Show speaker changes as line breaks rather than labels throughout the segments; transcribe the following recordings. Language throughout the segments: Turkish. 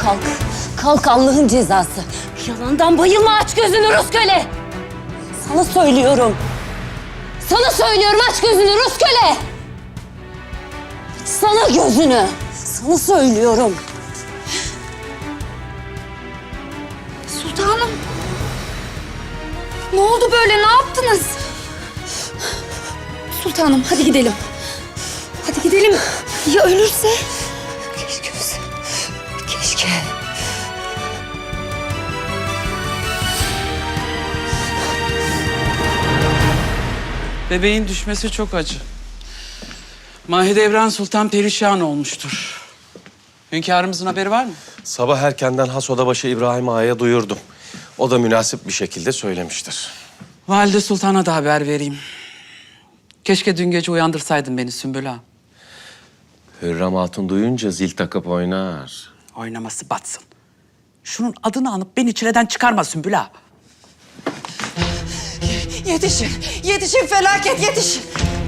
Kalk. Kalk Allah'ın cezası. Yalandan bayılma, aç gözünü Rus köle. Sana söylüyorum. Sana söylüyorum, aç gözünü Rus köle. Sana gözünü. Sana söylüyorum.
Sultanım. Ne oldu böyle? Ne yaptınız? Sultanım hadi gidelim. Hadi gidelim. Ya ölürse?
Keşke ölse. Keşke.
Bebeğin düşmesi çok acı. Mahidevran Sultan perişan olmuştur. Hünkârımızın haberi var mı?
Sabah erkenden has odabaşı İbrahim Ağa'ya duyurdum. O da münasip bir şekilde söylemiştir.
Valide Sultan'a da haber vereyim. Keşke dün gece uyandırsaydın beni Sümbül Ağa.
Hürrem Hatun duyunca zil takıp oynar.
Oynaması batsın. Şunun adını anıp beni çileden çıkarma Sümbül Ağa.
Yetişin, yetişin felaket yetişin.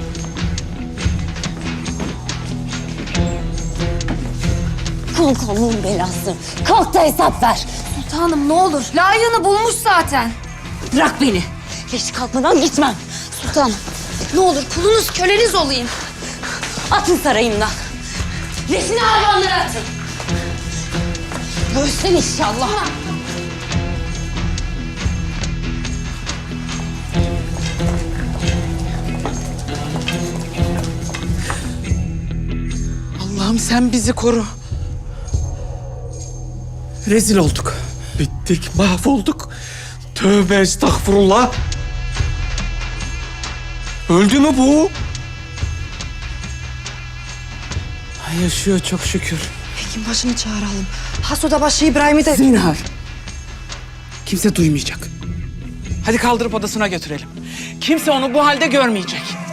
Kalk Allah'ın belası. Kalk da hesap ver.
Sultanım ne olur. Layığını bulmuş zaten.
Bırak beni. Geç kalkmadan gitmem.
Sultanım ne olur kulunuz köleniz olayım.
Atın sarayımdan. Resini hayvanlara atın. Ölsün inşallah.
Allah'ım sen bizi koru. Rezil olduk.
Bittik, mahvolduk. Tövbe estağfurullah. Öldü mü bu?
Ay, yaşıyor çok şükür.
Hekim başını çağıralım. Has odabaşı İbrahim'i de...
Zinhar. Kimse duymayacak. Hadi kaldırıp odasına götürelim. Kimse onu bu halde görmeyecek.